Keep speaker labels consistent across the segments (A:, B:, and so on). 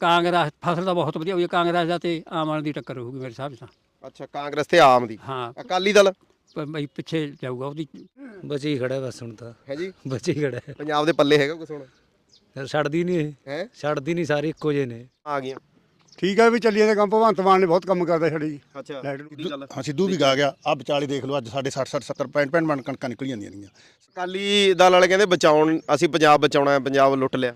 A: ਕਾਂਗਰਸ ਫਸਲ ਤਾਂ ਬਹੁਤ ਵਧੀਆ ਹੋਈ ਹੈ। ਕਾਂਗਰਸ ਦਾ ਤੇ ਆਮ ਆਦਮੀ ਦੀ ਟੱਕਰ ਹੋਊਗੀ ਮੇਰੇ ਹਿਸਾਬ ਨਾਲ।
B: ਅੱਛਾ, ਕਾਂਗਰਸ ਤੇ ਆਮ ਦੀ।
A: ਹਾਂ
B: ਅਕਾਲੀ ਦਲ
A: ਬਈ ਪਿੱਛੇ ਜਾਊਗਾ ਉਹਦੀ।
C: ਬਚੀ ਖੜਾ ਬਸ ਹੁਣ ਤਾਂ
B: ਹੈ ਜੀ।
C: ਬਚੀ ਖੜਾ
B: ਪੰਜਾਬ ਦੇ ਪੱਲੇ ਹੈਗਾ ਕੁਛ ਹੁਣ?
C: ਛੱਡਦੀ ਨਹੀਂ ਇਹ
B: ਹੈ
C: ਛੱਡਦੀ ਨਹੀਂ ਸਾਰੇ ਇੱਕੋ ਜਿਹੇ ਨੇ।
B: ਆ ਗਈਆਂ।
D: ਠੀਕ ਹੈ ਵੀ ਚੱਲੀ ਜਾਂਦੇ ਕੰਮ। ਭਗਵੰਤ ਮਾਨ ਨੇ ਬਹੁਤ ਕੰਮ ਕਰਦਾ ਸਾਡੇ ਜੀ।
B: ਅੱਛਾ
D: ਲਾਈਟ ਨੂੰ।
B: ਕੀ ਗੱਲ?
E: ਹਾਂ ਸਿੱਧੂ ਵੀ ਗਾ ਗਿਆ ਆ ਵਿਚਾਲੇ ਦੇਖ ਲਓ ਅੱਜ ਸਾਡੇ 60 60 70 65 ਮਣ ਕਣਕਾਂ ਨਿਕਲ ਜਾਂਦੀਆਂ ਨੇਗੀਆਂ।
B: ਅਕਾਲੀ ਦਲ ਵਾਲੇ ਕਹਿੰਦੇ ਬਚਾਉਣ, ਅਸੀਂ ਪੰਜਾਬ ਬਚਾਉਣਾ ਹੈ, ਪੰਜਾਬ ਲੁੱਟ ਲਿਆ।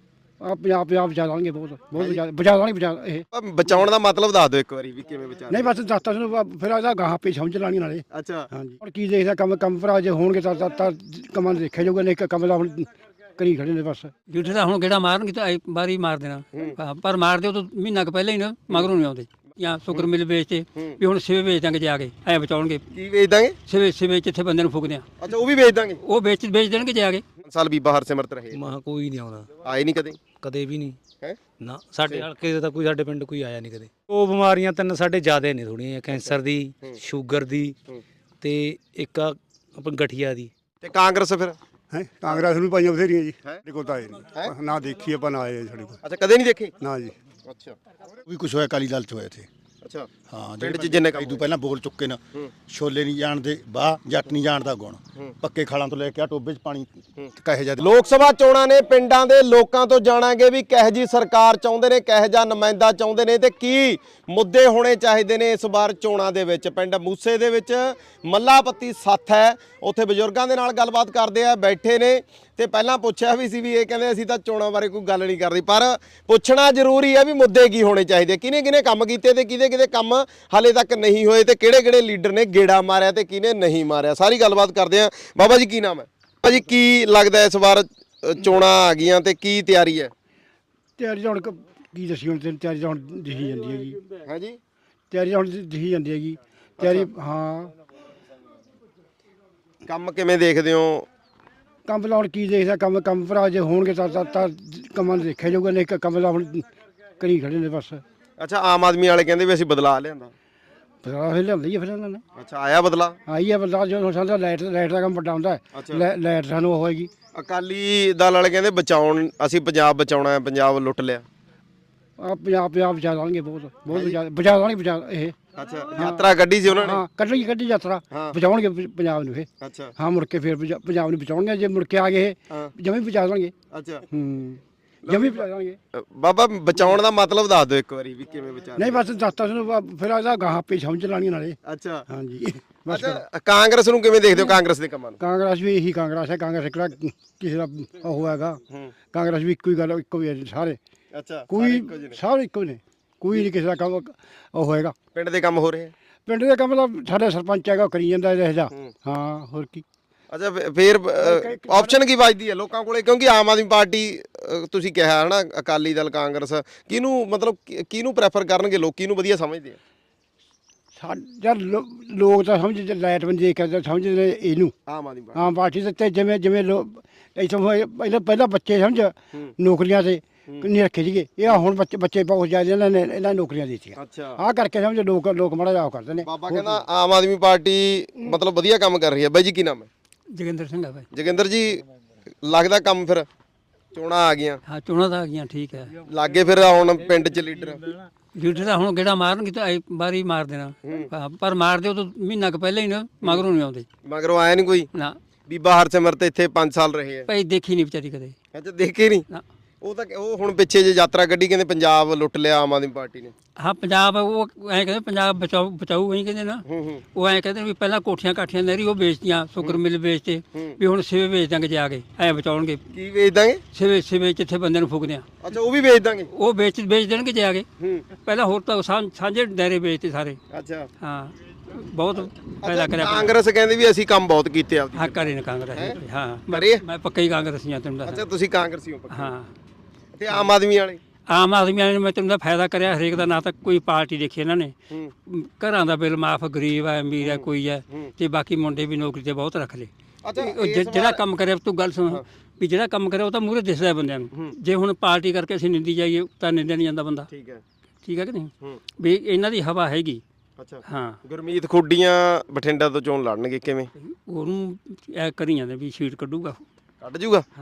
F: ਆ ਪੰਜਾਬ ਬਚਾ ਲਾਂਗੇ ਬਹੁਤ ਬਚਾ ਲਾਂਗੇ ਬਚਾ ਇਹ
B: ਬਚਾਉਣ ਦਾ ਮਤਲਬ ਦੱਸ ਦਿਓ ਇੱਕ ਵਾਰੀ ਵੀ ਕਿਵੇਂ ਬਚਾ।
F: ਨਹੀਂ ਬਸ ਦੱਸਤਾ ਤੁਹਾਨੂੰ ਫਿਰ ਇਹਦਾ ਗਾਹਾਂ ਪੇ ਸਮਝ ਲਾਣੀ ਨਾਲੇ।
B: ਅੱਛਾ
F: ਹਾਂਜੀ ਹੁਣ ਕੀ ਦੇਖਦਾ ਕੰਮ ਭਰਾ ਜੇ ਹੋਣਗੇ ਤਾਂ ਕੰਮਾਂ ਨੂੰ ਦੇਖਿਆ ਜਾਊਗਾ। ਨਹੀਂ ਇੱਕ ਕੰਮ ਦਾ ਹੁਣ ਕਰੀ ਖੜੇ ਨੇ ਬਸ।
A: ਜੂਠੇ ਦਾ ਹੁਣ ਗੇੜਾ ਮਾਰਨਗੇ ਤਾਂ ਬਾਰੀ ਮਾਰ ਦੇਣਾ। ਹਾਂ, ਪਰ ਮਾਰ ਦਿਓ ਤਾਂ ਮਹੀਨਾ ਕੁ ਪਹਿਲਾਂ ਹੀ ਨਾ ਮਗਰੋਂ ਨਹੀਂ ਆਉਂਦੇ। ਜਾਂ ਸ਼ੁਕਰ ਮਿਲ ਵੇਚਤੇ ਵੀ ਹੁਣ ਸਿਵੇ ਵੇਚ ਦਾਂਗੇ ਜਾ ਕੇ ਐ ਬਚਾਉਣਗੇ।
B: ਕੀ ਵੇਚ ਦਾਂਗੇ?
A: ਸਿਵੇ ਜਿੱਥੇ ਬੰਦੇ ਨੂੰ ਫੂਕਦੇ ਆ
B: ਅੱਛਾ, ਉਹ ਵੀ ਵੇਚ ਦਾਂਗੇ।
A: ਉਹ ਵੇਚ ਦੇਣਗੇ ਜਾ ਕੇ।
B: 5 ਸਾਲ ਬੀਬਾ ਹਰਸਿਮਰਤ ਰਹੇ,
C: ਮਹਾ ਕੋਈ ਨਹੀਂ ਆਉਂਦਾ,
B: ਆਏ ਨਹੀਂ ਕਦੇ।
C: ਕਦੇ ਵੀ ਨਹੀਂ
B: ਹੈ
C: ਨਾ। ਸਾਡੇ ਹਲਕੇ ਦੇ ਤਾਂ ਕੋਈ ਸਾਡੇ ਪਿੰਡ ਕੋਈ ਆਇਆ ਨਹੀਂ ਕਦੇ। ਉਹ ਬਿਮਾਰੀਆਂ ਤਿੰਨ ਸਾਡੇ ਜ਼ਿਆਦੇ ਨੇ ਥੋੜੀਆਂ, ਕੈਂਸਰ ਦੀ, ਸ਼ੂਗਰ ਦੀ ਤੇ ਇੱਕ ਆਪਣੀ ਗਠੀਆ ਦੀ।
B: ਤੇ ਕਾਂਗਰਸ ਫਿਰ?
D: ਹੈ ਕਾਂਗਰਸ ਨੂੰ ਪਾਈਆਂ ਬਥੇਰੀਆਂ ਜੀ।
B: ਹੈਂ?
D: ਸਾਡੇ ਕੋਲ ਤਾਂ ਆਏ ਨਹੀਂ ਨਾ ਦੇਖੀ ਆਪਾਂ ਨਾ ਆਏ ਸਾਡੇ ਕੋਲ।
B: ਅੱਛਾ, ਕਦੇ ਨਹੀਂ ਦੇਖੇ?
D: ਨਾ ਜੀ।
B: ਅੱਛਾ
E: ਵੀ ਕੁਛ ਹੋਇਆ ਅਕਾਲੀ ਦਲ ਚ ਹੋਇਆ ਇੱਥੇ।
B: ਅੱਛਾ
E: ਹਾਂ
B: ਪਿੰਡ 'ਚ ਜਿੰਨੇ ਕੰਮ
E: ਇਦੋਂ ਪਹਿਲਾਂ ਬੋਲ ਚੁੱਕੇ ਨੇ। ਛੋਲੇ ਨਹੀਂ ਜਾਣਦੇ ਬਾਹ, ਜੱਟ ਨਹੀਂ ਜਾਣਦਾ ਗੁਣ। ਪੱਕੇ ਖਾਲਾਂ ਤੋਂ ਲੈ ਕੇ ਆ ਟੋਬੇ 'ਚ ਪਾਣੀ ਕਹੇ ਜਾਂਦੇ।
B: ਲੋਕ ਸਭਾ ਚੋਣਾਂ ਨੇ, ਪਿੰਡਾਂ ਦੇ ਲੋਕਾਂ ਤੋਂ ਜਾਣਾਂਗੇ ਵੀ ਕਿਹੋ ਜੀ ਸਰਕਾਰ ਚਾਹੁੰਦੇ ਨੇ, ਕਿਹੋ ਜਿਹਾ ਨੁਮਾਇੰਦਾ ਚਾਹੁੰਦੇ ਨੇ ਤੇ ਕੀ ਮੁੱਦੇ ਹੋਣੇ ਚਾਹੀਦੇ ਨੇ ਇਸ ਵਾਰ ਚੋਣਾਂ ਦੇ ਵਿੱਚ। ਪਿੰਡ ਮੂਸੇ ਦੇ ਵਿੱਚ ਮੱਲਾਪੱਤੀ ਸੱਥ ਹੈ, ਉੱਥੇ ਬਜ਼ੁਰਗਾਂ ਦੇ ਨਾਲ ਗੱਲਬਾਤ ਕਰਦੇ ਆ, ਬੈਠੇ ਨੇ ਤੇ ਪਹਿਲਾਂ ਪੁੱਛਿਆ ਵੀ ਸੀ ਵੀ ਇਹ ਕਹਿੰਦੇ ਅਸੀਂ ਤਾਂ ਚੋਣਾਂ ਬਾਰੇ ਕੋਈ ਗੱਲ ਨਹੀਂ ਕਰਦੇ, ਪਰ ਪੁੱਛਣਾ ਜ਼ਰੂਰੀ ਹੈ ਵੀ ਮੁੱਦੇ ਕੀ ਹੋਣੇ ਚਾਹੀਦੇ, ਕਿਹਨੇ ਕੰਮ ਕੀਤੇ ਤੇ ਕਿਹਦੇ ਕੰਮ ਹਾਲੇ ਤੱਕ ਨਹੀਂ ਹੋਏ ਤੇ ਕਿਹੜੇ ਲੀਡਰ ਨੇ ਗੇੜਾ ਮਾਰਿਆ ਤੇ ਕਿਹਨੇ ਨਹੀਂ ਮਾਰਿਆ। ਸਾਰੀ ਗੱਲਬਾਤ ਕਰਦੇ ਆ। ਬਾਬਾ ਜੀ ਕੀ ਨਾਮ ਹੈ? ਬਾਬਾ ਜੀ ਕੀ ਲੱਗਦਾ ਇਸ ਵਾਰ ਚੋਣਾਂ ਆ ਗਈਆਂ ਤੇ ਕੀ ਤਿਆਰੀ ਹੈ?
F: ਤਿਆਰੀ ਤਾਂ ਹੁਣ ਕੀ ਦੱਸੀ ਹੁਣ ਤੈਨੂੰ, ਤਿਆਰੀ ਤਾਂ ਹੁਣ ਦਿਖੀ ਜਾਂਦੀ ਹੈਗੀ।
B: ਹੈ ਜੀ,
F: ਤਿਆਰੀ ਹੁਣ ਦਿਖੀ ਜਾਂਦੀ ਹੈਗੀ ਤਿਆਰੀ। ਹਾਂ
B: ਕੰਮ ਕਿਵੇਂ ਦੇਖਦੇ ਹੋ?
F: ਕੰਮ ਦਾ ਹੁਣ ਕੀ ਦੇਖਦਾ ਕੰਮ ਭਰਾ ਜੇ ਹੋਣਗੇ ਤਾਂ ਕੰਮਾਂ ਨੂੰ ਦੇਖਿਆ ਜਾਊਗਾ। ਨਹੀਂ ਇੱਕ ਕੰਮ ਦਾ ਹੁਣ ਕਰੀ ਖੜੇ ਨੇ ਬਸ।
B: ਅੱਛਾ, ਆਮ ਆਦਮੀ ਵਾਲੇ ਕਹਿੰਦੇ ਵੀ ਅਸੀਂ ਬਦਲਾ ਲਿਆਂਦਾ।
F: ਬਦਲਾ ਫਿਰ ਲਿਆਂਦਾ ਹੀ ਆ ਫਿਰ ਇਹਨਾਂ ਨੇ।
B: ਅੱਛਾ, ਆਇਆ ਬਦਲਾ?
F: ਆਈ ਹੈ ਬਦਲਾ ਜਦੋਂ ਸਾਡਾ ਲਾਈਟ ਦਾ ਕੰਮ ਵੱਡਾ ਹੁੰਦਾ ਹੈ। ਲਾਈਟ ਸਾਨੂੰ ਉਹ ਹੋਏਗੀ।
B: ਅਕਾਲੀ ਦਲ ਵਾਲੇ ਕਹਿੰਦੇ ਬਚਾਉਣ, ਅਸੀਂ ਪੰਜਾਬ ਬਚਾਉਣਾ ਹੈ, ਪੰਜਾਬ ਲੁੱਟ ਲਿਆ।
F: ਆ ਪੰਜਾਬ ਬਚਾ ਲਾਂਗੇ ਬਹੁਤ ਬਚਾ ਲਾਂਗੇ ਬਚਾ ਇਹ।
B: ਅੱਛਾ, ਯਾਤਰਾ ਕੱਢੀ ਸੀ ਉਹਨਾਂ ਨੇ।
F: ਹਾਂ ਕੱਢੀ ਯਾਤਰਾ ਬਚਾਉਣਗੇ ਪੰਜਾਬ ਨੂੰ ਇਹ।
B: ਅੱਛਾ
F: ਹਾਂ ਮੁੜ ਕੇ ਫਿਰ ਪੰਜਾਬ ਨੂੰ ਬਚਾਉਣਗੇ। ਜੇ ਮੁੜ ਕੇ ਆ ਗਏ ਜਮੀ ਬਚਾ ਲਾਂਗੇ।
B: ਅੱਛਾ
F: ਜਮੀ ਬਚਾ ਲਾਂਗੇ।
B: ਬਾਬਾ ਬਚਾਉਣ ਦਾ ਮਤਲਬ ਦੱਸ ਦਿਓ ਇੱਕ ਵਾਰੀ ਵੀ ਕਿਵੇਂ ਬਚਾ।
F: ਨਹੀਂ ਬਸ ਦੱਸਤਾ ਤੁਹਾਨੂੰ ਫਿਰ ਇਹਦਾ ਗਾਹਾਂ ਪੇ ਸਮਝ ਲਾਣੀ ਨਾਲੇ।
B: ਅੱਛਾ
F: ਹਾਂਜੀ ਬਸ।
B: ਅੱਛਾ, ਕਾਂਗਰਸ ਨੂੰ ਕਿਵੇਂ ਦੇਖਦੇ ਹੋ, ਕਾਂਗਰਸ ਦੇ ਕੰਮਾਂ ਨੂੰ?
F: ਕਾਂਗਰਸ ਵੀ ਇਹੀ ਕਾਂਗਰਸ ਹੈ। ਕਾਂਗਰਸ ਕਿਹੜਾ ਕਿਸੇ ਦਾ ਉਹ ਹੈਗਾ। ਕਾਂਗਰਸ ਵੀ ਇੱਕੋ ਹੀ ਗੱਲ, ਇੱਕੋ ਹੀ ਹੈ ਸਾਰੇ।
B: ਅੱਛਾ,
F: ਕੋਈ ਸਾਰੇ ਇੱਕੋ ਨੇ, ਕੋਈ ਨਹੀਂ ਕਿਸੇ ਦਾ ਕੰਮ ਉਹ ਹੋਏਗਾ।
B: ਪਿੰਡ ਦੇ ਕੰਮ ਹੋ ਰਹੇ ਆ?
F: ਪਿੰਡ ਦੇ ਕੰਮ ਦਾ ਸਾਡਾ ਸਰਪੰਚ ਹੈਗਾ, ਉਹ ਕਰੀ ਜਾਂਦਾ ਇਹਦਾ। ਹਾਂ ਹੋਰ ਕੀ।
B: ਅੱਛਾ, ਫਿਰ ਆਪਸ਼ਨ ਕੀ ਵੱਜਦੀ ਹੈ ਲੋਕਾਂ ਕੋਲੇ? ਕਿਉਂਕਿ ਆਮ ਆਦਮੀ ਪਾਰਟੀ ਤੁਸੀਂ ਕਿਹਾ ਹੈ ਨਾ, ਅਕਾਲੀ ਦਲ, ਕਾਂਗਰਸ, ਕਿਹਨੂੰ ਮਤਲਬ ਕਿਹਨੂੰ ਪ੍ਰੈਫਰ ਕਰਨਗੇ ਲੋਕ, ਕਿਹਨੂੰ ਵਧੀਆ ਸਮਝਦੇ ਆ?
F: ਯਾਰ ਲੋਕ ਤਾਂ ਸਮਝਦੇ ਲਾਈਟ ਬੰਦ ਦੇਖ ਕੇ ਸਮਝਦੇ ਨੇ ਇਹਨੂੰ,
B: ਆਮ ਆਦਮੀ ਪਾਰਟੀ।
F: ਆਮ ਪਾਰਟੀ ਤੇ ਜਿਵੇਂ ਇੱਥੋਂ ਪਹਿਲਾਂ ਬੱਚੇ ਸਮਝ ਨੌਕਰੀਆਂ ਤੇ ਨਹੀਂ ਰੱਖੇ ਸੀਗੇ। ਇਹ ਹੁਣ ਬੱਚੇ ਬਹੁਤ ਜ਼ਿਆਦਾ ਇਹਨਾਂ ਨੌਕਰੀਆਂ ਦੇ ਦਿੱਤੀਆਂ।
B: ਅੱਛਾ,
F: ਆਹ ਕਰਕੇ ਸਮਝ ਲੋਕ ਮਾੜਾ ਜਿਹਾ ਕਰਦੇ ਨੇ।
B: ਬਾਬਾ ਕਹਿੰਦਾ ਆਮ ਆਦਮੀ ਪਾਰਟੀ ਮਤਲਬ ਵਧੀਆ ਕੰਮ ਕਰ ਰਹੀ ਹੈ। ਬਾਈ ਜੀ ਕੀ ਨਾਮ ਹੈ?
A: ਜੋਗਿੰਦਰ ਸਿੰਘ ਆ ਬਾਈ।
B: ਜੋਗਿੰਦਰ ਜੀ, ਲੱਗਦਾ ਕੰਮ ਫਿਰ ਚੋਣਾਂ ਆ ਗਈਆਂ?
A: ਹਾਂ ਚੋਣਾਂ ਤਾਂ ਆ ਗਈਆਂ, ਠੀਕ ਹੈ।
B: ਲਾਗੇ ਫਿਰ ਹੁਣ ਪਿੰਡ 'ਚ ਲੀਡਰ?
A: ਜੂਠੇ ਦਾ ਹੁਣ ਗੇੜਾ ਮਾਰਨਗੇ ਤਾਂ ਬਾਰੀ ਮਾਰ ਦੇਣਾ। ਹਾਂ, ਪਰ ਮਾਰ ਦਿਓ ਤਾਂ ਮਹੀਨਾ ਕੁ ਪਹਿਲਾਂ ਹੀ ਨਾ ਮਗਰੋਂ ਨਹੀਂ ਆਉਂਦੇ।
B: ਮਗਰੋਂ ਆਇਆ ਨਹੀਂ ਕੋਈ?
A: ਨਾ।
B: ਬੀਬਾ ਹਰਸਿਮਰਤ ਇੱਥੇ 5 ਸਾਲ ਰਹੇ ਆ।
A: ਭਾਈ ਦੇਖੀ ਨਹੀਂ ਵਿਚਾਰੀ ਕਦੇ।
B: ਅੱਛਾ, ਦੇਖੇ ਨਹੀਂ?
A: ਨਾ।
B: ਉਹ ਹੁਣ ਪਿੱਛੇ ਜੇ ਯਾਤਰਾ ਕੱਢੀ, ਕਹਿੰਦੇ ਪੰਜਾਬ ਲੁੱਟ ਲਿਆ ਆਮ ਆਦਮੀ ਪਾਰਟੀ ਨੇ।
A: ਹਾਂ ਪੰਜਾਬ ਉਹ ਐਂ ਕਹਿੰਦੇ ਪੰਜਾਬ ਬਚਾਊ ਐਂ ਕਹਿੰਦੇ ਨਾ। ਉਹ ਐਂ ਕਹਿੰਦੇ ਵੀ ਪਹਿਲਾਂ ਕੋਠੀਆਂ ਕਾਠੀਆਂ ਨਹਿਰੀ ਉਹ ਵੇਚਤੀਆਂ, ਸ਼ੁਕਰ ਮਿਲ ਵੇਚਤੇ ਵੀ ਹੁਣ ਸਿਵੇ ਵੇਚ ਦਾਂਗੇ ਜਾ ਕੇ ਐਂ ਬਚਾਉਣਗੇ।
B: ਕੀ ਵੇਚ ਦਾਂਗੇ?
A: ਸਿਵੇ ਜਿੱਥੇ ਬੰਦੇ ਨੂੰ ਫੂਕਦੇ ਆ।
B: ਅੱਛਾ, ਉਹ ਵੀ ਵੇਚ ਦਾਂਗੇ?
A: ਉਹ ਵੇਚ ਦੇਣਗੇ ਜਾ ਕੇ। ਪਹਿਲਾਂ ਹੋਰ ਤਾਂ ਸਾਂਝੇ ਦਾਇਰੇ ਵੇਚਤੇ ਸਾਰੇ।
B: ਅੱਛਾ,
A: ਹਾਂ ਬਹੁਤ ਫਾਇਦਾ ਕਰਿਆ।
B: ਕਾਂਗਰਸ ਕਹਿੰਦੇ ਵੀ ਅਸੀਂ ਕੰਮ ਬਹੁਤ ਕੀਤੇ ਆਪਦੇ।
A: ਹਾਂ ਕਰੇ ਨੇ ਕਾਂਗਰਸ। ਹਾਂ ਮੈਂ ਪੱਕਾ ਹੀ ਕਾਂਗਰਸੀ ਹਾਂ ਤੈਨੂੰ
B: ਅੱਛਾ,
A: ਦੱਸਾਂ।
B: ਤੁਸੀਂ ਕਾਂਗਰਸੀ ਹੋ ਪੱਕੇ?
A: ਹਾਂ।
B: ਤੇ ਆਮ ਆਦਮੀ ਵਾਲੇ?
A: ਆਮ ਆਦਮੀ ਨੇ ਮੈਂ ਤੈਨੂੰ ਦਾ ਫਾਇਦਾ ਕਰਿਆ ਹਰੇਕ ਦਾ, ਨਾ ਤਾਂ ਕੋਈ ਪਾਰਟੀ ਦੇਖੀ ਇਹਨਾਂ ਨੇ। ਘਰਾਂ ਦਾ ਬਿੱਲ ਮਾਫ, ਗਰੀਬ ਹੈ ਅਮੀਰ ਹੈ ਕੋਈ ਹੈ, ਤੇ ਬਾਕੀ ਮੁੰਡੇ ਵੀ ਨੌਕਰੀ ਤੇ ਬਹੁਤ ਰੱਖ ਲਏ। ਜਿਹੜਾ ਕੰਮ ਕਰਿਆ ਤੂੰ ਗੱਲ ਸੁਣ ਵੀ ਜਿਹੜਾ ਕੰਮ ਕਰਿਆ ਉਹ ਤਾਂ ਮੂਹਰੇ ਦਿਸਦਾ ਬੰਦਿਆਂ ਨੂੰ। ਜੇ ਹੁਣ ਪਾਰਟੀ ਕਰਕੇ ਅਸੀਂ ਨਿੰਦੀ ਜਾਈਏ ਤਾਂ ਨਿੰਦਿਆ ਨਹੀਂ ਜਾਂਦਾ ਬੰਦਾ। ਠੀਕ ਹੈ ਕਿ ਨਹੀਂ? ਵੀ ਇਹਨਾਂ ਦੀ ਹਵਾ ਹੈਗੀ।
B: ਅੱਛਾ
A: ਹਾਂ।
B: ਗੁਰਮੀਤ ਖੁੱਡੀਆਂ ਬਠਿੰਡਾ ਤੋਂ ਚੋਣ ਲੜਨਗੇ, ਕਿਵੇਂ?
A: ਉਹਨੂੰ ਇਹ ਕਰੀ ਜਾਂਦੇ ਵੀ ਸੀਟ ਕੱਢੂਗਾ।
B: ਕੱਢ ਜੂਗਾ?
A: ਹਾਂ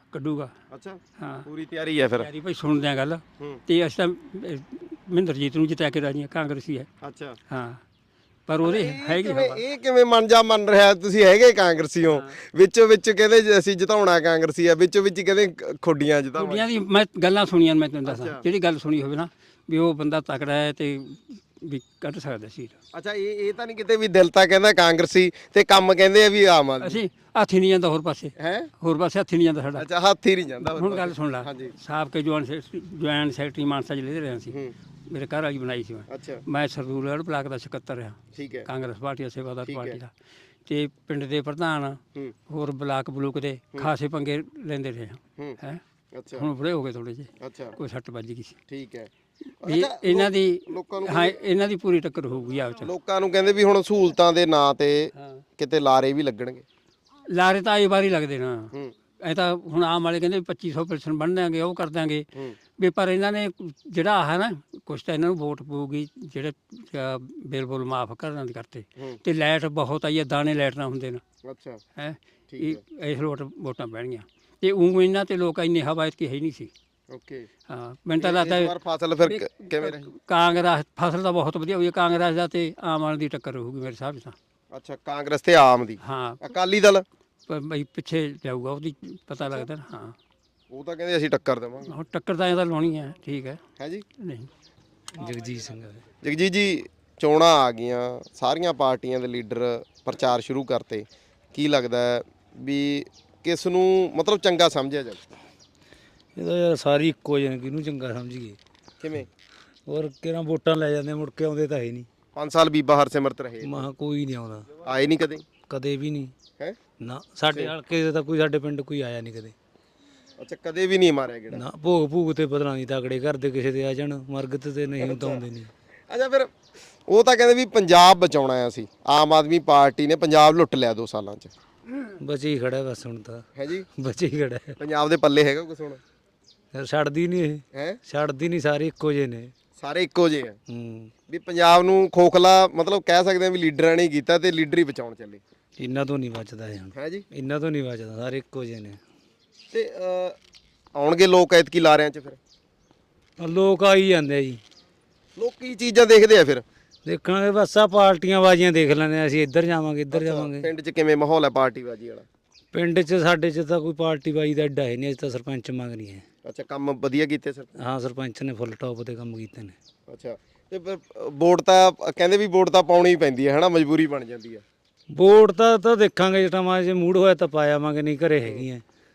A: ਕੱਢੂਗਾ।
B: ਅੱਛਾ
A: ਹਾਂ
B: ਪੂਰੀ ਤਿਆਰੀ ਹੈ ਫਿਰ।
A: ਯਾਰੀ ਭਾਈ ਸੁਣਦੇ ਆ ਗੱਲ ਤੇ ਅਸੀਂ ਤਾਂ ਮਹਿੰਦਰਜੀਤ ਨੂੰ ਜਿੱਤਿਆ ਕੇ ਰਾਜੀ ਕਾਂਗਰਸੀ ਹੈ।
B: ਅੱਛਾ
A: ਹਾਂ ਪਰ ਉਹਦੇ ਹੈਗੀ ਹਵਾ।
B: ਇਹ ਕਿਵੇਂ ਮਨ ਜਾ ਮੰਨ ਰਿਹਾ ਤੁਸੀਂ ਹੈਗੇ ਕਾਂਗਰਸੀ ਹੋ ਵਿੱਚੋਂ ਵਿੱਚ ਕਹਿੰਦੇ ਜੀ ਅਸੀਂ ਜਿਤਾਉਣਾ ਕਾਂਗਰਸੀ ਆ ਵਿੱਚੋਂ ਵਿੱਚ ਕਹਿੰਦੇ ਖੁੱਡੀਆਂ ਜਿਤਾਵਾਂ।
A: ਕੁੜੀਆਂ ਦੀ ਮੈਂ ਗੱਲਾਂ ਸੁਣੀਆਂ ਮੈਂ ਤੈਨੂੰ ਦੱਸਾਂ ਜਿਹੜੀ ਗੱਲ ਸੁਣੀ ਹੋਵੇ ਨਾ ਵੀ ਉਹ ਬੰਦਾ ਤਕੜਾ ਹੈ ਤੇ ਵੀ ਕੱਢ ਸਕਦਾ ਸੀਟ।
B: ਅੱਛਾ ਇਹ ਤਾਂ ਨਹੀਂ ਕਿਤੇ ਵੀ ਦਿਲ ਤਾਂ ਕਹਿੰਦਾ ਕਾਂਗਰਸੀ ਤੇ ਕੰਮ ਕਹਿੰਦੇ ਆ ਵੀ ਆਮ ਆਦਮੀ।
A: ਅਸੀਂ ਹੱਥ ਹੀ ਨਹੀਂ ਜਾਂਦਾ ਹੋਰ ਪਾਸੇ
B: ਹੈ
A: ਹੋਰ ਪਾਸੇ ਹੱਥ ਹੀ ਨਹੀਂ ਜਾਂਦਾ ਸਾਡਾ।
B: ਅੱਛਾ ਹੱਥ ਹੀ ਨਹੀਂ ਜਾਂਦਾ
A: ਹੁਣ ਗੱਲ ਸੁਣ ਲੈ
B: ਹਾਂਜੀ
A: ਸਾਬਕਾ ਜੁਆਇੰਟ ਸੈਕਟਰੀ ਮਾਨਸਾ ਜ਼ਿਲ੍ਹੇ ਦੇ ਰਿਹਾ ਸੀ। ਮੇਰੇ ਘਰ ਵਾਲੀ ਬਣਾਈ ਸੀ
B: ਅੱਛਾ
A: ਮੈਂ ਸਰਦੂਲਗੜ੍ਹ ਬਲਾਕ ਦਾ ਸਕੱਤਰ ਰਿਹਾ
B: ਠੀਕ ਹੈ
A: ਕਾਂਗਰਸ ਪਾਰਟੀ ਦਾ ਸੇਵਾਦਾਰ ਪਾਰਟੀ ਦਾ ਤੇ ਪਿੰਡ ਦੇ ਪ੍ਰਧਾਨ ਹੋਰ ਬਲਾਕ ਬਲੂਕ ਦੇ ਖਾਸੇ ਪੰਗੇ ਲੈਂਦੇ ਰਹੇ ਹੈ।
B: ਅੱਛਾ
A: ਹੁਣ ਬੁੜੇ ਹੋ ਗਏ ਥੋੜੇ ਜਿਹੇ
B: ਅੱਛਾ
A: ਕੋਈ ਸੱਟ ਵੱਜ ਗਈ ਸੀ।
B: ਠੀਕ ਹੈ
A: ਇਹ ਇਹਨਾਂ ਦੀ
B: ਲੋਕਾਂ ਨੂੰ
A: ਹਾਂ ਇਹਨਾਂ ਦੀ ਪੂਰੀ ਟੱਕਰ ਹੋਊਗੀ ਆਪਸ ਚ।
B: ਲੋਕਾਂ ਨੂੰ ਕਹਿੰਦੇ ਵੀ ਹੁਣ ਸਹੂਲਤਾਂ ਦੇ ਨਾਂ ਤੇ ਕਿਤੇ ਲਾਰੇ ਵੀ ਲੱਗਣਗੇ।
A: ਲਾਰੇ ਤਾਂ ਆਈ ਵਾਰੀ ਲੱਗਦੇ ਨਾ ਇਹ ਤਾਂ ਹੁਣ ਆਮ ਵਾਲੇ ਕਹਿੰਦੇ 2500 ਪੈਨਸ਼ਨ ਬਣ ਦਿਆਂਗੇ ਉਹ ਕਰ ਦਿਆਂਗੇ ਵੀ ਪਰ ਇਹਨਾਂ ਨੇ ਜਿਹੜਾ ਆਹ ਨਾ ਕੁਛ ਤਾਂ ਇਹਨਾਂ ਨੂੰ ਵੋਟ ਪਊਗੀ ਜਿਹੜੇ ਬਿੱਲ ਬੁੱਲ ਮਾਫ ਕਰਨ ਦੇ ਕਰਤੇ ਤੇ ਲਾਈਟ ਬਹੁਤ ਆਈ ਹੈ ਦਾਣੇ ਲਾਈਟ ਨਾ ਹੁੰਦੇ ਨੇ
B: ਅੱਛਾ
A: ਹੈ ਇਸ ਲੋਟ ਵੋਟਾਂ ਪੈਣਗੀਆਂ ਤੇ ਉਹ ਇਹਨਾਂ ਤੇ ਲੋਕ ਇੰਨੇ ਹਵਾਇਤ ਕੀ ਹੈ ਨਹੀਂ ਸੀ।
B: ਓਕੇ
A: ਹਾਂ ਮੈਨੂੰ ਤਾਂ ਲੱਗਦਾ
B: ਇਸ ਵਾਰ ਫਸਲ ਫਿਰ ਕਿਵੇਂ ਰਹੀ?
A: ਕਾਂਗਰਸ ਫਸਲ ਤਾਂ ਬਹੁਤ ਵਧੀਆ ਹੋਈ ਹੈ ਕਾਂਗਰਸ ਦਾ ਤੇ ਆਮ ਆਦਮੀ ਦੀ ਟੱਕਰ ਹੋਊਗੀ ਮੇਰੇ ਹਿਸਾਬ 'ਚ ਤਾਂ।
B: ਅੱਛਾ ਕਾਂਗਰਸ ਤੇ ਆਮ ਦੀ
A: ਹਾਂ
B: ਅਕਾਲੀ ਦਲ
A: ਪਰ ਬਈ ਪਿੱਛੇ ਜਾਊਗਾ ਉਹਦੀ ਪਤਾ ਲੱਗਦਾ ਨਾ। ਹਾਂ
B: ਉਹ ਤਾਂ ਕਹਿੰਦੇ ਅਸੀਂ ਟੱਕਰ ਦੇਵਾਂਗੇ।
A: ਹੁਣ ਟੱਕਰ ਤਾਂ ਇਹਦਾ ਲਾਉਣੀ ਹੈ ਠੀਕ ਹੈ
B: ਹੈ ਜੀ
A: ਨਹੀਂ
C: ਜਗਜੀਤ ਸਿੰਘ
B: ਜਗਜੀਤ ਜੀ ਚੋਣਾਂ ਆ ਗਈਆਂ ਸਾਰੀਆਂ ਪਾਰਟੀਆਂ ਦੇ ਲੀਡਰ ਪ੍ਰਚਾਰ ਸ਼ੁਰੂ ਕਰਤੇ ਕੀ ਲੱਗਦਾ ਹੈ ਵੀ ਕਿਸ ਨੂੰ ਮਤਲਬ ਚੰਗਾ ਸਮਝਿਆ ਜਾਵੇ?
C: ਇਹਦਾ ਯਾਰ ਸਾਰੀ ਇੱਕੋ ਜਿਹੇ ਨੇ, ਕਿਹਨੂੰ ਚੰਗਾ ਸਮਝੀਏ।
B: ਕਿਵੇਂ
C: ਹੋਰ ਕਿਹੜਾ ਵੋਟਾਂ ਲੈ ਜਾਂਦੇ ਮੁੜ ਕੇ ਆਉਂਦੇ ਤਾਂ ਹੈ ਨਹੀਂ।
B: 5 ਸਾਲ ਬੀਬਾ ਹਰਸਿਮਰਤ ਰਹੇ
C: ਮਹਾ ਕੋਈ ਨਹੀਂ ਆਉਂਦਾ
B: ਆਏ ਨਹੀਂ ਕਦੇ
C: ਕਦੇ ਵੀ ਨਹੀਂ
B: ਹੈ।
C: ਨਾ ਸਾਡੇ ਹਲਕੇ ਦੇ ਤਾਂ ਕੋਈ ਸਾਡੇ ਪਿੰਡ ਕੋਈ ਆਇਆ ਨਹੀਂ ਕਦੇ
B: ਅੱਛਾ ਕਦੇ ਵੀ ਨਹੀਂ ਮਾਰਿਆ ਗੇੜਾ।
C: ਨਾ ਭੋਗ ਭੂਗ ਤੇ ਪਤਾ ਨਹੀਂ ਤਗੜੇ ਘਰ ਦੇ ਕਿਸੇ ਦੇ ਆ ਜਾਣ ਮਰਗਤ ਤੇ ਨਹੀਂ ਤਾਂ ਆਉਂਦੇ ਨਹੀਂ।
B: ਅੱਛਾ ਫਿਰ ਉਹ ਤਾਂ ਕਹਿੰਦੇ ਵੀ ਪੰਜਾਬ ਬਚਾਉਣਾ ਆ ਅਸੀਂ ਆਮ ਆਦਮੀ ਪਾਰਟੀ ਨੇ ਪੰਜਾਬ ਲੁੱਟ ਲਿਆ 2 ਸਾਲਾਂ 'ਚ।
C: ਬਚੇ ਹੀ ਖੜਾ ਬਸ ਹੁਣ ਤਾਂ
B: ਹੈ ਜੀ
C: ਬਚੇ ਹੀ ਖੜਾ ਹੈ।
B: ਪੰਜਾਬ ਦੇ ਪੱਲੇ ਹੈਗਾ ਕੁਛ ਹੁਣ?
C: ਯਾਰ ਛੱਡਦੀ ਨਹੀਂ ਇਹ
B: ਹੈ
C: ਛੱਡਦੀ ਨਹੀਂ ਸਾਰੇ ਇੱਕੋ ਜਿਹੇ ਨੇ।
B: ਸਾਰੇ ਇੱਕੋ ਜਿਹੇ ਆ
C: ਹੂੰ
B: ਵੀ ਪੰਜਾਬ ਨੂੰ ਖੋਖਲਾ ਮਤਲਬ ਕਹਿ ਸਕਦੇ ਆ ਵੀ ਲੀਡਰਾਂ ਨੇ ਕੀਤਾ ਤੇ ਲੀਡਰ ਹੀ ਬਚਾਉਣ ਚੱਲੇ।
C: ਇਹਨਾਂ ਤੋਂ ਨਹੀਂ ਬਚਦਾ ਇਹ ਹੁਣ
B: ਹੈ ਜੀ
C: ਇਹਨਾਂ ਤੋਂ ਨਹੀਂ ਬਚਦਾ ਸਾਰੇ ਇੱਕੋ ਜਿਹੇ ਨੇ।
B: ਤੇ ਆਉਣਗੇ ਲੋਕ ਐਤਕੀ ਲਾਰਿਆਂ 'ਚ ਫਿਰ
C: ਲੋਕ ਆਈ ਜਾਂਦੇ ਆ ਜੀ
B: ਲੋਕ ਕੀ ਚੀਜ਼ਾਂ ਦੇਖਦੇ ਆ ਫਿਰ?
C: ਦੇਖਾਂਗੇ ਬਸ ਆ ਪਾਰਟੀਆਂ ਬਾਜ਼ੀਆਂ ਦੇਖ ਲੈਂਦੇ ਆ ਅਸੀਂ ਇੱਧਰ ਜਾਵਾਂਗੇ ਇੱਧਰ ਜਾਵਾਂਗੇ।
B: ਪਿੰਡ 'ਚ ਕਿਵੇਂ ਮਾਹੌਲ ਹੈ ਪਾਰਟੀਬਾਜ਼ੀ ਵਾਲਾ?
C: ਪਿੰਡ 'ਚ ਸਾਡੇ 'ਚ ਤਾਂ ਕੋਈ ਪਾਰਟੀ ਬਾਜ਼ੀ ਦਾ ਐਡਾ ਹੈ ਨਹੀਂ। ਅਸੀਂ ਤਾਂ ਸਰਪੰਚ ਮੰਗਣੀ ਹੈ।
B: ਅੱਛਾ ਕੰਮ ਵਧੀਆ ਕੀਤੇ ਸਰ?
C: ਹਾਂ ਸਰਪੰਚ ਨੇ ਫੁੱਲ ਟੌਪ ਤੇ ਕੰਮ ਕੀਤੇ ਨੇ।
B: ਅੱਛਾ ਤੇ ਫਿਰ ਵੋਟ ਤਾਂ ਕਹਿੰਦੇ ਵੀ ਵੋਟ ਤਾਂ ਪਾਉਣੀ ਹੀ ਪੈਂਦੀ ਹੈ ਹਨਾ ਮਜਬੂਰੀ ਬਣ ਜਾਂਦੀ ਹੈ।
C: ਵੋਟ ਤਾਂ ਦੇਖਾਂਗੇ ਜਿਹੜਾ ਮਾ ਜੇ ਮੂਡ ਹੋਇਆ ਤਾਂ ਪਾਇਆਵਾਂਗੇ ਨਹੀਂ ਘਰੇ ਹੈਗੀਆਂ।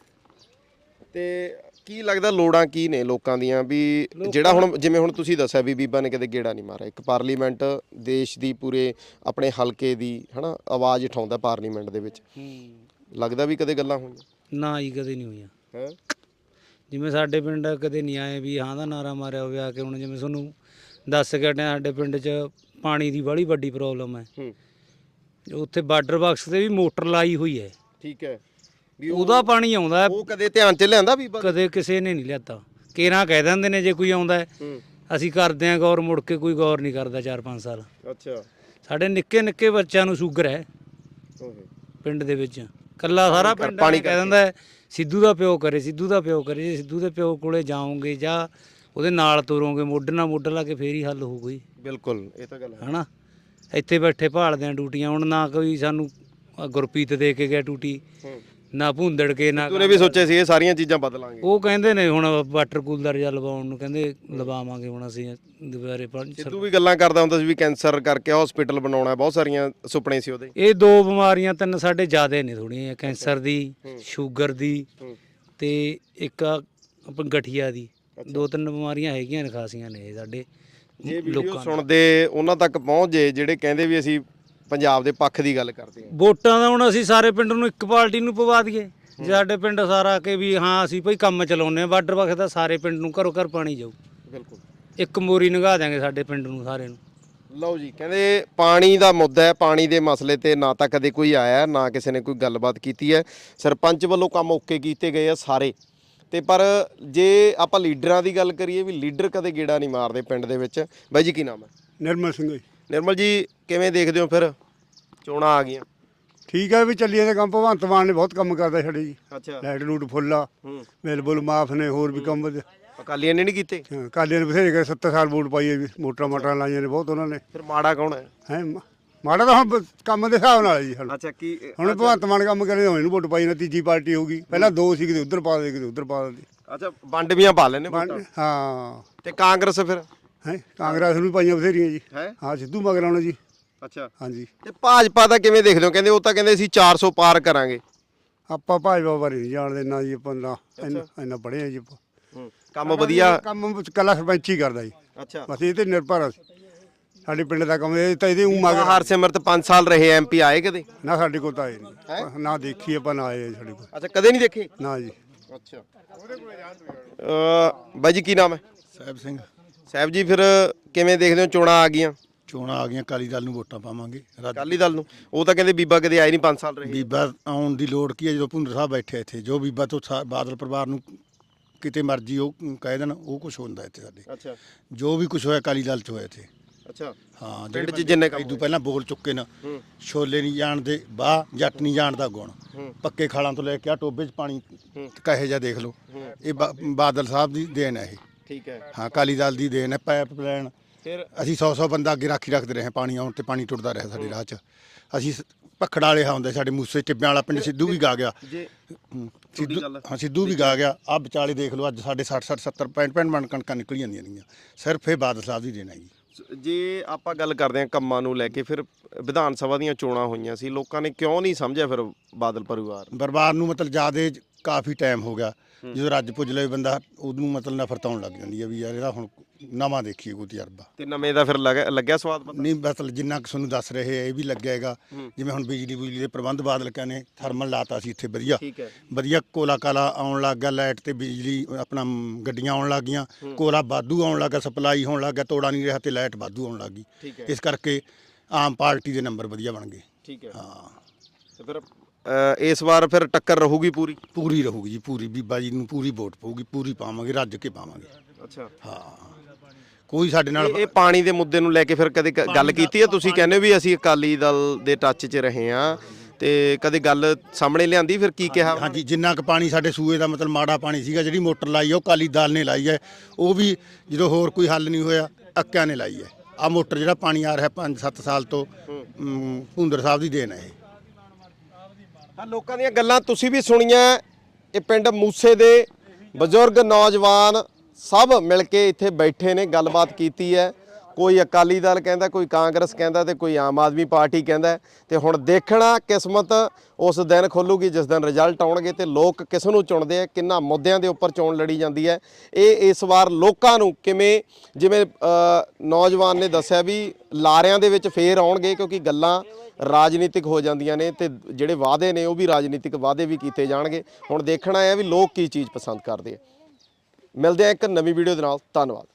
B: ਤੇ ਕੀ ਲੱਗਦਾ ਲੋੜਾਂ ਕੀ ਨੇ ਲੋਕਾਂ ਦੀਆਂ ਵੀ ਜਿਹੜਾ ਹੁਣ ਜਿਵੇਂ ਹੁਣ ਤੁਸੀਂ ਦੱਸਿਆ ਵੀ ਬੀਬਾ ਨੇ ਕਦੇ ਗੇੜਾ ਨਹੀਂ ਮਾਰਿਆ ਇੱਕ ਪਾਰਲੀਮੈਂਟ ਦੇਸ਼ ਦੀ ਪੂਰੇ ਆਪਣੇ ਹਲਕੇ ਦੀ ਹਨਾ ਆਵਾਜ਼ ਉਠਾਉਂਦਾ ਪਾਰਲੀਮੈਂਟ ਦੇ ਵਿੱਚ ਲੱਗਦਾ ਵੀ ਕਦੇ ਗੱਲਾਂ ਹੋਈਆਂ?
C: ਨਾ ਹੀ ਕਦੇ ਨਹੀਂ ਹੋਈਆਂ।
B: ਹੈ
C: ਜਿਵੇਂ ਸਾਡੇ ਪਿੰਡ ਕਦੇ ਨਹੀਂ ਆਏ ਵੀ ਹਾਂ ਦਾ ਨਾਰਾ ਮਾਰਿਆ ਹੋਵੇ ਆ ਕੇ। ਹੁਣ ਜਿਵੇਂ ਤੁਹਾਨੂੰ ਦੱਸ ਕੇ ਹਟਿਆ ਸਾਡੇ ਪਿੰਡ 'ਚ ਪਾਣੀ ਦੀ ਬੜੀ ਵੱਡੀ ਪ੍ਰੋਬਲਮ ਹੈ। ਉੱਥੇ ਬਾਰਡਰ ਬਾਕਸ ਤੇ ਵੀ ਮੋਟਰ ਲਾਈ ਹੋਈ ਹੈ।
B: ਠੀਕ ਹੈ ਵੀ
C: ਉਹਦਾ ਪਾਣੀ ਆਉਂਦਾ ਹੈ।
B: ਉਹ ਕਦੇ ਧਿਆਨ 'ਚ ਲਿਆਂਦਾ ਬੀਬਾ?
C: ਕਦੇ ਕਿਸੇ ਨੇ ਨਹੀਂ ਲਿਆਤਾ। ਕੇਰਾਂ ਕਹਿ ਦਿੰਦੇ ਨੇ ਜੇ ਕੋਈ ਆਉਂਦਾ ਹੈ ਅਸੀਂ ਕਰਦੇ ਹਾਂ ਗੌਰ, ਮੁੜ ਕੇ ਕੋਈ ਗੌਰ ਨਹੀਂ ਕਰਦਾ 4-5 ਸਾਲ।
B: ਅੱਛਾ
C: ਸਾਡੇ ਨਿੱਕੇ ਨਿੱਕੇ ਬੱਚਿਆਂ ਨੂੰ ਸ਼ੂਗਰ ਹੈ ਪਿੰਡ ਦੇ ਵਿੱਚ। ਕੱਲਾ ਸਾਰਾ ਪਿੰਡ ਪਾਣੀ ਕਹਿ ਦਿੰਦਾ ਹੈ ਸਿੱਧੂ ਦਾ ਪਿਓ ਕਰੇ ਸਿੱਧੂ ਦਾ ਪਿਓ ਕਰੇ। ਜੇ ਸਿੱਧੂ ਦੇ ਪਿਓ ਕੋਲੇ ਜਾਓਗੇ ਜਾਂ ਉਹਦੇ ਨਾਲ ਤੁਰੋਗੇ ਮੋਢੇ ਨਾਲ ਮੋਢਾ ਲਾ ਕੇ ਫੇਰ ਹੀ ਹੱਲ ਹੋਊਗੀ।
B: ਬਿਲਕੁਲ ਇਹ ਤਾਂ ਗੱਲ ਹੈ
C: ਹਨਾ ਇੱਥੇ ਬੈਠੇ ਭਾਲਦੇ ਆ ਡਿਊਟੀਆਂ। ਹੁਣ ਨਾ ਕੋਈ ਸਾਨੂੰ ਗੁਰਪ੍ਰੀਤ ਦੇ ਕੇ ਗਿਆ ਡਿਊਟੀ ਨਾ ਭੁੰਦੜ ਕੇ ਨਾ
B: ਤੂੰ ਨੇ ਵੀ ਸੋਚਿਆ ਸੀ ਇਹ ਸਾਰੀਆਂ ਚੀਜ਼ਾਂ ਬਦਲਾਂਗੇ।
C: ਉਹ ਕਹਿੰਦੇ ਨੇ ਹੁਣ ਵਾਟਰ ਕੂਲਰ ਜਾਂ ਲਵਾਉਣ ਨੂੰ ਕਹਿੰਦੇ ਲਵਾਵਾਂਗੇ ਹੁਣ ਅਸੀਂ ਦੁਬਾਰੇ।
B: ਸਿੱਧੂ ਵੀ ਗੱਲਾਂ ਕਰਦਾ ਹੁੰਦਾ ਸੀ ਵੀ ਕੈਂਸਰ ਕਰਕੇ ਹਸਪੀਟਲ ਬਣਾਉਣਾ ਬਹੁਤ ਸਾਰੀਆਂ ਸੁਪਨੇ ਸੀ ਉਹਦੇ।
C: ਇਹ 2 ਬਿਮਾਰੀਆਂ 3 ਸਾਡੇ ਜ਼ਿਆਦੇ ਨੇ ਥੋੜੀਆਂ ਕੈਂਸਰ ਦੀ ਸ਼ੂਗਰ ਦੀ ਤੇ ਇੱਕ ਆਪਣੀ ਗਠੀਆ ਦੀ। 2-3 ਬਿਮਾਰੀਆਂ ਹੈਗੀਆਂ ਨੇ ਖਾਸੀਆਂ ਨੇ ਸਾਡੇ
B: ਜੇ ਵੀਡੀਓ ਸੁਣਦੇ ਉਹਨਾਂ ਤੱਕ ਪਹੁੰਚ ਜੇ ਜਿਹੜੇ ਕਹਿੰਦੇ ਵੀ ਅਸੀਂ ਪੰਜਾਬ ਦੇ ਪੱਖ ਦੀ ਗੱਲ ਕਰਦੇ ਹਾਂ।
C: ਵੋਟਾਂ ਦਾ ਹੁਣ ਅਸੀਂ ਸਾਰੇ ਪਿੰਡ ਨੂੰ ਇੱਕ ਪਾਰਟੀ ਨੂੰ ਪਵਾ ਦਈਏ ਜੇ ਸਾਡੇ ਪਿੰਡ ਸਾਰਾ ਕੇ ਵੀ ਹਾਂ ਅਸੀਂ ਭਾਈ ਕੰਮ ਚਲਾਉਂਦੇ ਆ ਬਾਰਡਰ ਬਾਕਸ ਦਾ ਸਾਰੇ ਪਿੰਡ ਨੂੰ ਘਰੋਂ ਘਰ ਪਾਣੀ ਜਾਊ।
B: ਬਿਲਕੁਲ
C: ਇੱਕ ਮੋਰੀ ਲੰਘਾ ਦਿਆਂਗੇ ਸਾਡੇ ਪਿੰਡ ਨੂੰ ਸਾਰੇ ਨੂੰ।
B: ਲਓ ਜੀ ਕਹਿੰਦੇ ਪਾਣੀ ਦਾ ਮੁੱਦਾ ਹੈ। ਪਾਣੀ ਦੇ ਮਸਲੇ ਤੇ ਨਾ ਤਾਂ ਕਦੇ ਕੋਈ ਆਇਆ ਨਾ ਕਿਸੇ ਨੇ ਕੋਈ ਗੱਲਬਾਤ ਕੀਤੀ ਹੈ। ਸਰਪੰਚ ਵੱਲੋਂ ਕੰਮ ਓਕੇ ਕੀਤੇ ਗਏ ਆ ਸਾਰੇ ਤੇ ਪਰ ਜੇ ਆਪਾਂ ਲੀਡਰਾਂ ਦੀ ਗੱਲ ਕਰੀਏ ਵੀ ਲੀਡਰ ਕਦੇ ਗੇੜਾ ਨਹੀਂ ਮਾਰਦੇ ਪਿੰਡ ਦੇ ਵਿੱਚ। ਬਾਈ ਜੀ ਕੀ ਨਾਮ ਹੈ?
D: ਨਿਰਮਲ ਸਿੰਘ ਜੀ।
B: ਨਿਰਮਲ ਜੀ ਕਿਵੇਂ ਦੇਖਦੇ ਹੋ ਫਿਰ ਚੋਣਾਂ ਆ ਗਈਆਂ?
D: ਠੀਕ ਹੈ ਵੀ ਚੱਲੀ ਜਾਂਦੇ ਕੰਮ। ਭਗਵੰਤ ਮਾਨ ਨੇ ਬਹੁਤ ਕੰਮ ਕਰਦਾ ਸਾਡੇ ਜੀ।
B: ਅੱਛਾ
D: ਲਾਈਟ ਲੂਟ ਫੁੱਲ ਆ, ਬਿੱਲ ਬੁੱਲ ਮਾਫ ਨੇ, ਹੋਰ ਵੀ ਕੰਮ
B: ਅਕਾਲੀਆਂ ਨੇ ਨਹੀਂ ਕੀਤੇ।
D: ਕਾਲੀਆਂ ਨੇ ਬਥੇਰੇ ਕਰੇ, 70 ਸਾਲ ਵੋਟ ਪਾਈ ਹੈ ਵੀ, ਮੋਟਰਾਂ ਲਾਈਆਂ ਨੇ ਬਹੁਤ ਉਹਨਾਂ ਨੇ।
B: ਫਿਰ ਮਾੜਾ ਕੌਣ ਹੈ?
D: ਹੈ ਮਾੜਾ ਤਾਂ ਹੁਣ ਕੰਮ ਦੇ ਹਿਸਾਬ ਨਾਲ ਹੈ ਜੀ।
B: ਅੱਛਾ ਕੀ
D: ਹੁਣ ਭਗਵੰਤ ਮਾਨ ਕੰਮ ਕਰੇ ਹੁਣ ਇਹਨੂੰ ਵੋਟ ਪਾਈ ਨਾ, ਤੀਜੀ ਪਾਰਟੀ ਹੋਊਗੀ। ਪਹਿਲਾਂ ਦੋ ਸੀ, ਕਿਤੇ ਉਧਰ ਪਾ ਦੇ ਕਿਤੇ ਉਧਰ ਪਾ ਦਿੰਦੀ।
B: ਅੱਛਾ ਵੰਡਵੀਆਂ ਪਾ ਲੈਣੇ ਵੋਟਾਂ।
D: ਹਾਂ
B: ਤੇ ਕਾਂਗਰਸ ਫਿਰ
D: ਹੈ ਕਾਂਗਰਸ ਨੂੰ ਵੀ ਪਾਈਆਂ ਬਥੇਰੀਆਂ ਜੀ।
B: ਹੈ
D: ਹਾਂ ਸਿੱਧੂ ਮਗਰ ਆਉਣਾ ਜੀ।
B: ਅੱਛਾ
D: ਹਾਂਜੀ
B: ਤੇ ਭਾਜਪਾ ਦਾ ਕਿਵੇਂ ਦੇਖਦੇ ਹੋ? ਕਹਿੰਦੇ ਉਹ ਤਾਂ ਕਹਿੰਦੇ ਅਸੀਂ 400 ਪਾਰ ਕਰਾਂਗੇ।
D: ਆਪਾਂ ਭਾਜਪਾ ਬਾਰੇ ਨਹੀਂ ਜਾਣਦੇ ਨਾ ਜੀ। ਆਪਾਂ ਨਾ ਇੰਨਾ ਪੜ੍ਹੇ ਆ ਜੀ ਆਪਾਂ।
B: ਕੰਮ ਵਧੀਆ
D: ਕੰਮ ਕੱਲਾ ਸਰਪੰਚ ਹੀ ਕਰਦਾ ਜੀ।
B: ਅੱਛਾ
D: ਬਸ ਇਹ ਤੇ ਨਿਰਭਰ ਆ ਸਾਡੇ ਪਿੰਡ ਦਾ ਕੰਮ। ਇਹ ਤਾਂ ਇਹਦੇ ਉਂ ਮਗਰ
B: ਹਰਸਿਮਰਤ 5 ਸਾਲ ਰਹੇ ਐਮਪੀ ਆਏ ਕਦੇ?
D: ਨਾ ਸਾਡੇ ਕੋਲ ਤਾਂ ਆਏ ਨਹੀਂ ਨਾ, ਦੇਖੀ ਆਪਾਂ ਨਾ ਆਏ ਸਾਡੇ ਕੋਲ
B: ਅੱਛਾ ਕਦੇ ਨਹੀਂ ਦੇਖੇ?
D: ਨਾ ਜੀ।
B: ਅੱਛਾ ਬਾਈ ਜੀ ਕੀ ਨਾਮ ਹੈ?
E: ਸਾਹਿਬ ਸਿੰਘ।
B: ਸਾਹਿਬ ਜੀ ਫਿਰ ਕਿਵੇਂ ਦੇਖਦੇ ਹੋ ਚੋਣਾਂ ਆ ਗਈਆਂ?
E: ਚੋਣਾਂ ਆ ਗਈਆਂ, ਅਕਾਲੀ ਦਲ ਨੂੰ ਵੋਟਾਂ ਪਾਵਾਂਗੇ।
B: ਅਕਾਲੀ ਦਲ ਨੂੰ। ਉਹ ਤਾਂ ਕਹਿੰਦੇ ਬੀਬਾ ਕਦੇ ਆਏ ਨਹੀਂ 5 ਸਾਲ ਰਹੇ।
E: ਬੀਬਾ ਆਉਣ ਦੀ ਲੋੜ ਕੀ ਹੈ ਜਦੋਂ ਭੁੰਦਰ ਸਾਹਿਬ ਬੈਠੇ ਇੱਥੇ? ਜੋ ਬੀਬਾ ਤੋਂ ਬਾਦਲ ਪਰਿਵਾਰ ਨੂੰ ਕਿਤੇ ਮਰਜ਼ੀ ਉਹ ਕਹਿ ਦੇਣ, ਉਹ ਕੁਝ ਹੁੰਦਾ ਇੱਥੇ ਸਾਡੇ।
B: ਅੱਛਾ
E: ਜੋ ਵੀ ਕੁਝ ਹੋਇਆ ਅਕਾਲੀ ਦਲ 'ਚ ਹੋਇਆ ਇੱਥੇ।
B: ਅੱਛਾ
E: ਹਾਂ
B: ਪਿੰਡ 'ਚ ਜਿੰਨੇ ਕੰਮ
E: ਇਦੋਂ ਪਹਿਲਾਂ ਬੋਲ ਚੁੱਕੇ ਨਾ, ਛੋਲੇ ਨਹੀਂ ਜਾਣਦੇ ਬਾਹ, ਜੱਟ ਨਹੀਂ ਜਾਣਦਾ ਗੁਣ। ਪੱਕੇ ਖਾਲਾਂ ਤੋਂ ਲੈ ਕੇ ਆ ਟੋਬੇ 'ਚ ਪਾਣੀ ਕਹੇ ਜਾ ਦੇਖ ਲਓ। ਇਹ ਬਾਦਲ ਸਾਹਿਬ ਦੀ ਦੇਣ ਹੈ ਇਹ।
B: ਠੀਕ ਹੈ।
E: ਹਾਂ ਅਕਾਲੀ ਦਲ ਦੀ ਦੇਣ ਹੈ। ਪਾਈਪ ਲਾਈਨ
B: ਫਿਰ
E: ਅਸੀਂ 100 ਬੰਦਾ ਅੱਗੇ ਰਾਖੀ ਰੱਖਦੇ ਰਹੇ, ਪਾਣੀ ਆਉਣ ਤੇ ਪਾਣੀ ਟੁੱਟਦਾ ਰਿਹਾ ਸਾਡੇ ਰਾਹ 'ਚ। ਅਸੀਂ ਭਖੜ ਵਾਲੇ ਹੁੰਦੇ, ਸਾਡੇ ਮੂਸੇ ਟਿੱਬਿਆਂ ਵਾਲਾ ਪਿੰਡ ਸਿੱਧੂ ਵੀ ਗਾ ਗਿਆ।
B: ਜੇ
E: ਸਿੱਧੂ ਹਾਂ ਸਿੱਧੂ ਵੀ ਗਾ ਗਿਆ। ਆ ਵਿਚਾਲੇ ਦੇਖ ਲਓ ਅੱਜ ਸਾਡੇ 60 60 70 65 ਮਣ ਕਣਕਾਂ ਨਿਕਲ ਜਾਂਦੀਆਂ ਨੇਗੀਆਂ। ਸਿਰਫ ਇਹ ਬਾਦਲ ਸਾਹਿਬ ਦੀ ਦੇਣ ਹੈ ਜੀ।
B: ਜੇ ਆਪਾਂ ਗੱਲ ਕਰਦੇ ਹਾਂ ਕੰਮਾਂ ਨੂੰ ਲੈ ਕੇ, ਫਿਰ ਵਿਧਾਨ ਸਭਾ ਦੀਆਂ ਚੋਣਾਂ ਹੋਈਆਂ ਸੀ, ਲੋਕਾਂ ਨੇ ਕਿਉਂ ਨਹੀਂ ਸਮਝਿਆ ਫਿਰ ਬਾਦਲ ਪਰਿਵਾਰ?
E: ਬਰਬਾਦ ਨੂੰ ਮਤਲਬ ਜਿਆਦੇ ਕਾਫੀ ਟਾਈਮ ਹੋ ਗਿਆ। ਜਦੋਂ ਰੱਜ ਪੁੱਜ ਲਵੇ ਬੰਦਾ ਉਹਨੂੰ ਮਤਲਬ ਨਫ਼ਰਤ ਆਉਣ ਲੱਗ ਜਾਂਦੀ ਹੈ ਵੀ ਯਾਰ ਇਹਦਾ ਹੁਣ ਨਵਾਂ ਦੇਖੀਏ ਕੋਈ ਤਜਰਬਾ।
B: ਤੇ ਨਵੇਂ ਦਾ ਫਿਰ ਲੱਗਿਆ ਸਵਾਦ ਪਤਾ?
E: ਨਹੀਂ ਮਤਲਬ ਜਿੰਨਾ ਕੁ ਤੁਹਾਨੂੰ ਦੱਸ ਰਹੇ ਇਹ ਵੀ ਲੱਗਿਆ ਹੈਗਾ। ਜਿਵੇਂ ਹੁਣ ਬਿਜਲੀ ਦੇ ਪ੍ਰਬੰਧ ਬਾਦਲ ਕਹਿੰਦੇ ਥਰਮਲ ਲਾਤਾ ਸੀ ਇੱਥੇ ਵਧੀਆ।
B: ਠੀਕ ਹੈ।
E: ਵਧੀਆ ਕੋਲਾ ਕਾਲਾ ਆਉਣ ਲੱਗ ਗਿਆ, ਲਾਈਟ ਤੇ ਬਿਜਲੀ ਆਪਣਾ ਗੱਡੀਆਂ ਆਉਣ ਲੱਗ ਗਈਆਂ, ਕੋਲਾ ਵਾਧੂ ਆਉਣ ਲੱਗ ਗਿਆ, ਸਪਲਾਈ ਹੋਣ ਲੱਗ ਗਿਆ, ਤੋੜਾ ਨਹੀਂ ਰਿਹਾ ਤੇ ਲਾਈਟ ਵਾਧੂ ਆਉਣ ਲੱਗ ਗਈ।
B: ਠੀਕ ਹੈ।
E: ਇਸ ਕਰਕੇ ਆਮ ਪਾਰਟੀ ਦੇ ਨੰਬਰ ਵਧੀਆ ਬਣ ਗਏ।
B: ਠੀਕ ਹੈ।
E: ਹਾਂ
B: ਤੇ ਫਿਰ ਇਸ ਵਾਰ ਫਿਰ ਟੱਕਰ ਰਹੂਗੀ ਪੂਰੀ?
E: ਪੂਰੀ ਰਹੂਗੀ ਜੀ ਪੂਰੀ। ਬੀਬਾ ਜੀ ਨੂੰ ਪੂਰੀ ਵੋਟ ਪਊਗੀ, ਪੂਰੀ ਪਾਵਾਂਗੇ, ਰੱਜ ਕੇ ਪਾਵਾਂਗੇ।
B: ਅੱਛਾ
E: ਹਾਂ ਕੋਈ ਸਾਡੇ ਨਾਲ
B: ਇਹ ਪਾਣੀ ਦੇ ਮੁੱਦੇ ਨੂੰ ਲੈ ਕੇ ਫਿਰ ਕਦੇ ਗੱਲ ਕੀਤੀ ਹੈ? ਤੁਸੀਂ ਕਹਿੰਦੇ ਹੋ ਵੀ ਅਸੀਂ ਅਕਾਲੀ ਦਲ ਦੇ ਟੱਚ 'ਚ ਰਹੇ ਹਾਂ, ਤੇ ਕਦੇ ਗੱਲ ਸਾਹਮਣੇ ਲਿਆਂਦੀ ਫਿਰ ਕੀ ਕਿਹਾ?
E: ਹਾਂਜੀ ਜਿੰਨਾ ਕੁ ਪਾਣੀ ਸਾਡੇ ਸੂਏ ਦਾ ਮਤਲਬ ਮਾੜਾ ਪਾਣੀ ਸੀਗਾ, ਜਿਹੜੀ ਮੋਟਰ ਲਾਈ ਹੈ ਉਹ ਅਕਾਲੀ ਦਲ ਨੇ ਲਾਈ ਹੈ। ਉਹ ਵੀ ਜਦੋਂ ਹੋਰ ਕੋਈ ਹੱਲ ਨਹੀਂ ਹੋਇਆ ਅੱਕਿਆਂ ਨੇ ਲਾਈ ਹੈ। ਆ ਮੋਟਰ ਜਿਹੜਾ ਪਾਣੀ ਆ ਰਿਹਾ 5-7 ਸਾਲ ਤੋਂ ਭੁੰਦਰ ਸਾਹਿਬ ਦੀ ਦੇਣ ਹੈ ਇਹ।
B: ਹਾਂ ਲੋਕਾਂ ਦੀਆਂ ਗੱਲਾਂ ਤੁਸੀਂ ਵੀ ਸੁਣੀਆਂ। ਇਹ ਪਿੰਡ ਮੂਸੇ ਦੇ ਬਜ਼ੁਰਗ ਨੌਜਵਾਨ ਸਭ ਮਿਲ ਕੇ ਇੱਥੇ ਬੈਠੇ ਨੇ, ਗੱਲਬਾਤ ਕੀਤੀ ਹੈ। ਕੋਈ ਅਕਾਲੀ ਦਲ ਕਹਿੰਦਾ, ਕੋਈ ਕਾਂਗਰਸ ਕਹਿੰਦਾ ਤੇ ਕੋਈ ਆਮ ਆਦਮੀ ਪਾਰਟੀ ਕਹਿੰਦਾ। ਤੇ ਹੁਣ ਦੇਖਣਾ ਕਿਸਮਤ ਉਸ ਦਿਨ ਖੋਲੂਗੀ ਜਿਸ ਦਿਨ ਰਿਜ਼ਲਟ ਆਉਣਗੇ ਤੇ ਲੋਕ ਕਿਸ ਨੂੰ ਚੁਣਦੇ ਆ, ਕਿੰਨਾ ਮੁੱਦਿਆਂ ਦੇ ਉੱਪਰ ਚੋਣ ਲੜੀ ਜਾਂਦੀ ਹੈ। ਇਹ ਇਸ ਵਾਰ ਲੋਕਾਂ ਨੂੰ ਕਿਵੇਂ, ਜਿਵੇਂ ਨੌਜਵਾਨ ਨੇ ਦੱਸਿਆ ਵੀ ਲਾਰਿਆਂ ਦੇ ਵਿੱਚ ਫੇਰ ਆਉਣਗੇ, ਕਿਉਂਕਿ ਗੱਲਾਂ ਰਾਜਨੀਤਿਕ ਹੋ ਜਾਂਦੀਆਂ ਨੇ ਤੇ ਜਿਹੜੇ ਵਾਅਦੇ ਨੇ ਉਹ ਵੀ ਰਾਜਨੀਤਿਕ ਵਾਅਦੇ ਵੀ ਕੀਤੇ ਜਾਣਗੇ। ਹੁਣ ਦੇਖਣਾ ਹੈ ਵੀ ਲੋਕ ਕੀ ਚੀਜ਼ ਪਸੰਦ ਕਰਦੇ ਆ। ਮਿਲਦੇ ਆ ਇੱਕ ਨਵੀਂ ਵੀਡੀਓ ਦੇ ਨਾਲ। ਧੰਨਵਾਦ।